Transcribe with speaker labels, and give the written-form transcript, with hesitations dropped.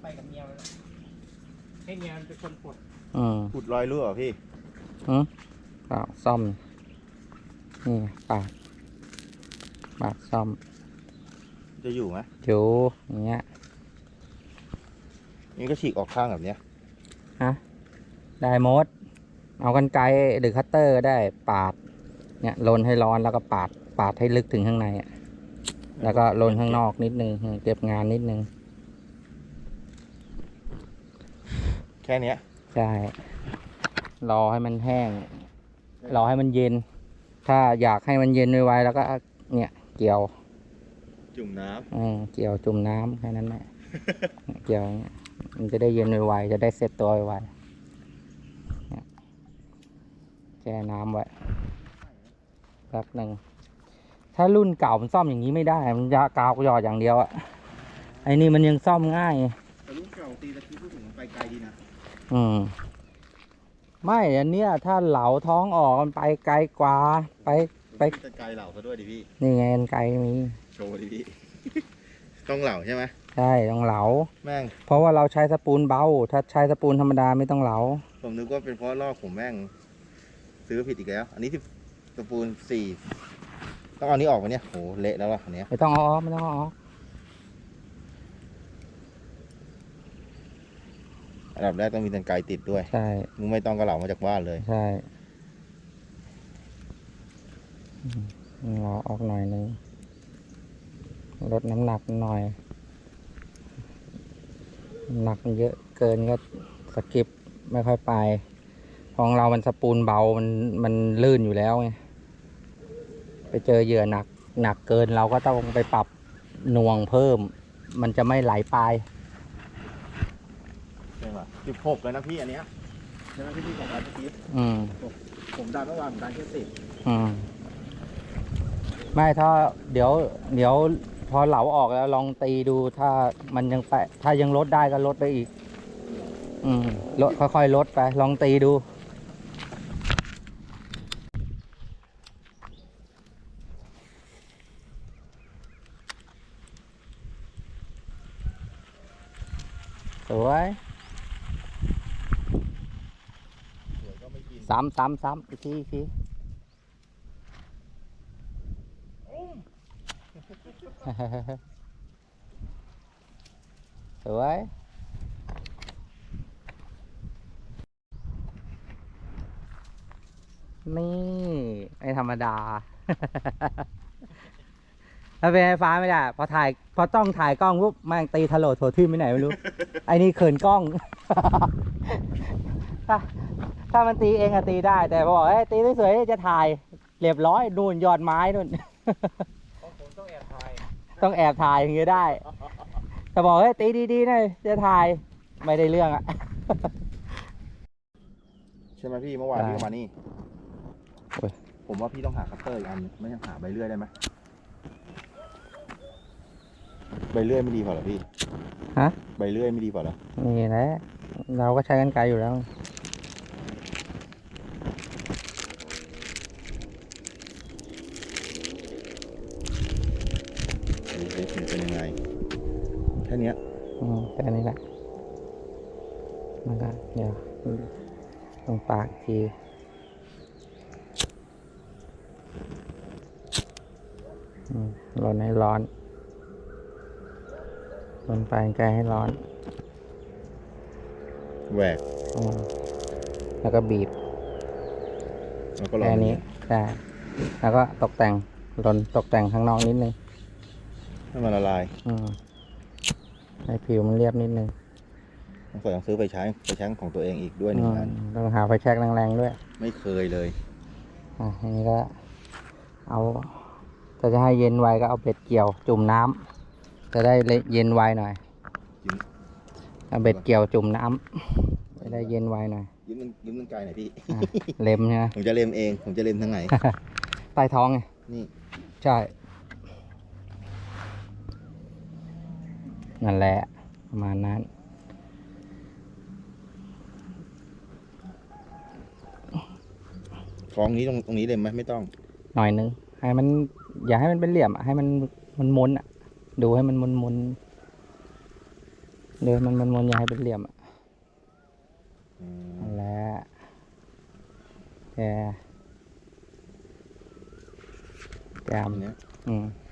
Speaker 1: ไปกับเมียมันให้เมียมันเป็นคนปลด
Speaker 2: ขุดรอยรั่วเหรอพี่
Speaker 3: เปล่าซ่อมนี่ปาดซ่อม
Speaker 2: จะอยู่ไหม
Speaker 3: อยู่อย่างเงี้ย
Speaker 2: นี่ก็ฉีกออกข้างแบบเนี้ย
Speaker 3: ฮะได้หมดเอากรรไกรหรือคัตเตอร์ได้ปาดเนี่ยลนให้ร้อนแล้วก็ปาดให้ลึกถึงข้างในอ่ะแล้วก็ลนข้างนอกนิดนึงเก็บงานนิดนึง
Speaker 2: แค่นี้
Speaker 3: ใช่รอให้มันแห้งรอให้มันเย็นถ้าอยากให้มันเย็นไวๆแล้วก็เนี่ยเกี่ยว
Speaker 2: จุ่มน้
Speaker 3: ำเกี่ยวจุ่มน้ำแค่นั้นแหละ เกี่ยวมันจะได้เย็นไวๆจะได้เซ็ตตัวไวๆแช่น้ำไว้แป๊บหนึ่งถ้ารุ่นเก่ามันซ่อมอย่างนี้ไม่ได้มันยากาวหยอดอย่างเดียวอะไอ้นี่มันยังซ่อมง่าย
Speaker 2: แต่รุ่นเก่าตีตะกี้พูดถึงไปไกลดีนะ
Speaker 3: ไม่อันเนี้ยถ้าเหลาท้องออกมันไปไกลกว่าไป
Speaker 2: ไกลเหลาซะด้วยดิพี่
Speaker 3: นี่ไงไกลมี
Speaker 2: โชว์ดิพี่ ต้องเหลาใช่ไหม
Speaker 3: ใช่ต้องเหลา
Speaker 2: แม่ง
Speaker 3: เพราะว่าเราใช้สปูนเบาถ้าใช้สปูนธรรมดาไม่ต้องเหลา
Speaker 2: ผมนึกว่าเป็นเพราะลอกผมแม่งซื้อผิดอีกแล้วอันนี้ที่สปูน4ต้องเอานี้ออกมาเนี่ยโหเละแล้วล่ะอันเนี้ย
Speaker 3: ไม่ต้องเอาออกไม่ต้องเอาออก
Speaker 2: อันดับแรกต้องมีกรรไกรติดด้วย
Speaker 3: ใช่
Speaker 2: มึงไม่ต้องกระเหลามาจากบ้านเลย
Speaker 3: ใช่เอาออกหน่อยนึงลดน้ำหนักหน่อยหนักเยอะเกินก็สกิปไม่ค่อยไปของเรามันสปูนเบามันลื่นอยู่แล้วไงไปเจอเหยื่อหนักเกินเราก็ต้องไปปรับหน่วงเพิ่มมันจะไม่ไหลไป
Speaker 2: ใช่ป่ะ16เลยนะพี่อันเนี้ยใช่ไหมพี่ของร้านพี่ผมดันเมื่อวานผมดันแค่10
Speaker 3: ไม่ถ้าเดี๋ยวพอเหลาออกแล้วลองตีดูถ้ามันยังแปะถ้ายังลดได้ก็ลดไปอีกลดค่อยๆลดไปลองตีดูสวยซ้ำอีกทีสวยนี่ไอ้ธรรมดา ถ้าเป็นไฟฟ้าไม่ได้พอต้องถ่ายกล้องปุ๊บแม่งตีทะโหลโถทิ่มไปไหนไม่รู้ ไอ้นี่เขินกล้อง ถ้ามันตีเองอะตีได้แต่พอบอกตีสวยๆจะถ่ายเรียบร้อยนู่นยอดไม้นู่น
Speaker 1: ผมต้องแอบถ่าย
Speaker 3: อย่างเงี้ยได้แต่บอกตีดีๆหน่อยจะถ่ายไม่ได้เรื่องอะ
Speaker 2: ใช่ไหมพี่เมื่อวานพี่ก็มานี่ผมว่าพี่ต้องหาคัตเตอร์อีกอันไม่ยังหาใบเลื่อยได้ไหมใบเลื่อยไม่ดีพอเหรอพี่
Speaker 3: ฮะ
Speaker 2: ใบเลื่อยไม่ดีพอเหรอ
Speaker 3: นี่แหละเราก็ใช้กรรไกรอยู่แล้ว
Speaker 2: เป็นยังไงแค่นี้
Speaker 3: แค่นี้แหละมันก็เดี๋ยวตรงปากทีร้อนให้ร้อนลนไปไกลให้ร้อน
Speaker 2: แหวก
Speaker 3: แล้วก็บีบแค่นี้ได้แล้วก็ตกแต่งตกแต่งข้างนอกนิดนึง
Speaker 2: ให้มันละลาย
Speaker 3: ให้ผิวมันเรียบนิดนึง
Speaker 2: ต้องซื้อไฟแช็กของตัวเองอีกด้วย1 อัน
Speaker 3: ต้องหาไฟแช็กแรงๆด้วย
Speaker 2: ไม่เคยเลย
Speaker 3: อันนี้ก็เอาถ้าจะให้เย็นไวก็เอาเบ็ดเกี่ยวจุ่มน้ำจะได้เย็นไวหน่อยเอาเบ็ดเกี่ยวจุ่มน้ำจะได้เย็นไวหน่อย
Speaker 2: ยืมไกลหน่อยพี่
Speaker 3: เล็มใช่ไหม
Speaker 2: ผมจะเล็มเองผมจะเล็มทางไหน
Speaker 3: ใต้ท้องไง
Speaker 2: นี่
Speaker 3: ใช่นั่นแหละประมาณนั้น
Speaker 2: ท้องนี้ตรงนี้เล็มไหมไม่ต้อง
Speaker 3: หน่อยนึงให้มันอย่าให้มันเป็นเหลี่ยมให้มันมนดูให้มันมนเดี๋ยวมันมนอย่าให้เป็นเหลี่ยมอ่ะ
Speaker 2: อืม
Speaker 3: นั่นแหละแกแกม
Speaker 2: อันเนี้ย
Speaker 3: อืม